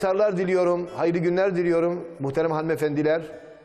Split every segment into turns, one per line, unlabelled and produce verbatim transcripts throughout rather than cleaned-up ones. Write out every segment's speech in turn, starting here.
İftarlar diliyorum, hayırlı günler diliyorum muhterem hanımefendiler.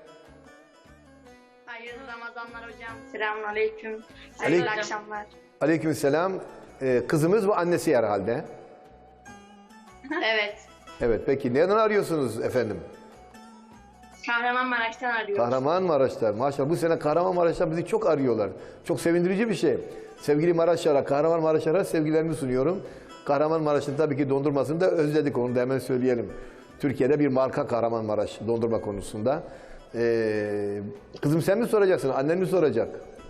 Hayırlı Ramazanlar hocam. Selamünaleyküm. Hayırlı
Aleyküm.
akşamlar.
Aleykümselam. Ee, kızımız bu annesi herhalde.
Evet.
Evet, peki neden arıyorsunuz efendim?
Kahramanmaraş'tan arıyoruz.
Kahramanmaraşlar. Maşallah bu sene Kahramanmaraşlar bizi çok arıyorlar. Çok sevindirici bir şey. Sevgili Maraşlara, Kahramanmaraşlara sevgilerimi sunuyorum. Kahramanmaraş'ın tabii ki dondurmasını da özledik, onu da hemen söyleyelim. Türkiye'de bir marka Kahramanmaraş dondurma konusunda. Ee, kızım sen mi soracaksın, annen mi soracak?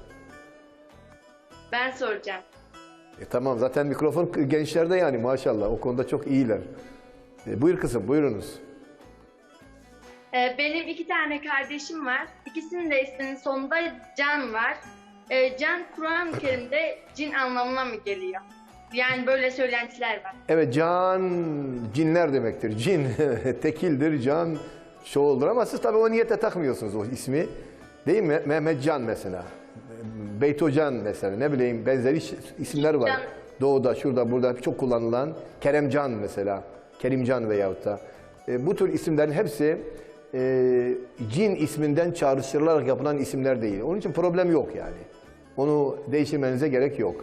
Ben soracağım.
E, tamam, zaten mikrofon gençlerde yani maşallah, o konuda çok iyiler. E, buyur kızım, buyurunuz.
Ee, benim iki tane kardeşim var. İkisinin de isminin sonunda Can var. Ee, Can, Kur'an-ı Kerim'de cin anlamına mı geliyor? Yani böyle söylentiler var.
Evet, can cinler demektir. Cin tekildir, can çoğuldur ama siz tabii o niyete takmıyorsunuz o ismi. Değil mi? Mehmet Can mesela. Beyto Can mesela, ne bileyim benzeri isimler var.
Can.
Doğuda, şurada, burada çok kullanılan. Keremcan mesela. Kerimcan veyahut da. E, bu tür isimlerin hepsi e, cin isminden çağrıştırılarak yapılan isimler değil. Onun için problem yok yani. Onu değiştirmenize gerek yok.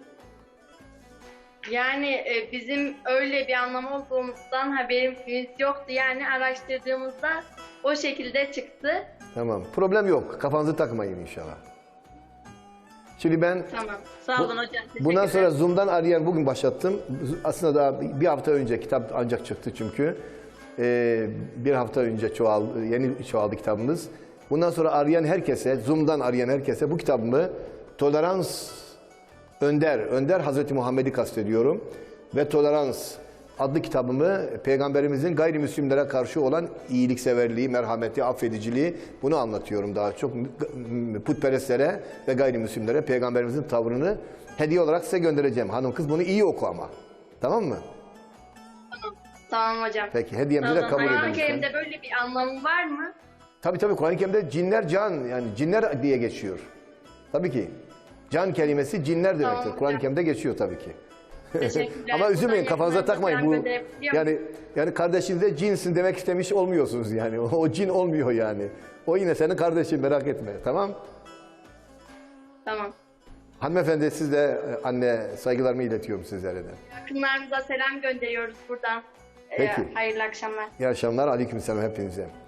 Yani e, bizim öyle bir anlam olduğumuzdan haberimiz yoktu. Yani araştırdığımızda o şekilde çıktı.
Tamam. Problem yok. Kafanızı takmayın inşallah. Şimdi ben
Tamam. Sağ olun hocam.
bundan
Teşekkürler.
sonra Zoom'dan arayan bugün başlattım. Aslında daha bir hafta önce kitap ancak çıktı çünkü. Ee, bir hafta önce çoğal, yeni çoğaldı kitabımız. Bundan sonra arayan herkese, Zoom'dan arayan herkese bu kitabımı Tolerans Önder, Önder Hazreti Muhammed'i kastediyorum. Ve Tolerans adlı kitabımı Peygamberimizin gayrimüslimlere karşı olan iyilikseverliği, merhameti, affediciliği, bunu anlatıyorum daha çok. Putperestlere ve gayrimüslimlere Peygamberimizin tavrını hediye olarak size göndereceğim. Hanım kız bunu iyi oku ama. Tamam mı?
Tamam hocam.
Peki, hediyemizi de
Tamam.
kabul edin
Kur'an-ı
lütfen.
Kerim'de böyle bir anlamı var mı?
Tabii tabii, Kur'an-ı Kerim'de cinler can, yani cinler diye geçiyor. Tabii ki. Can kelimesi cinler demektir.
Tamam,
Kur'an-ı
hocam.
Kerim'de geçiyor tabii ki.
Teşekkürler.
Ama üzülmeyin,
Buradan
kafanıza
yayınlar
takmayın.
falan
Bu
gönderebiliyor
yani yani kardeşinize cinsin demek istemiş olmuyorsunuz yani. O, o cin olmuyor yani. O yine senin kardeşin, merak etme. Tamam?
Tamam.
Hanımefendi, siz de e, anne saygılarımı iletiyorum sizlere de.
Yakınlarımıza selam gönderiyoruz buradan. Ee,
Peki.
hayırlı akşamlar.
İyi akşamlar. Aleykümselam hepinize.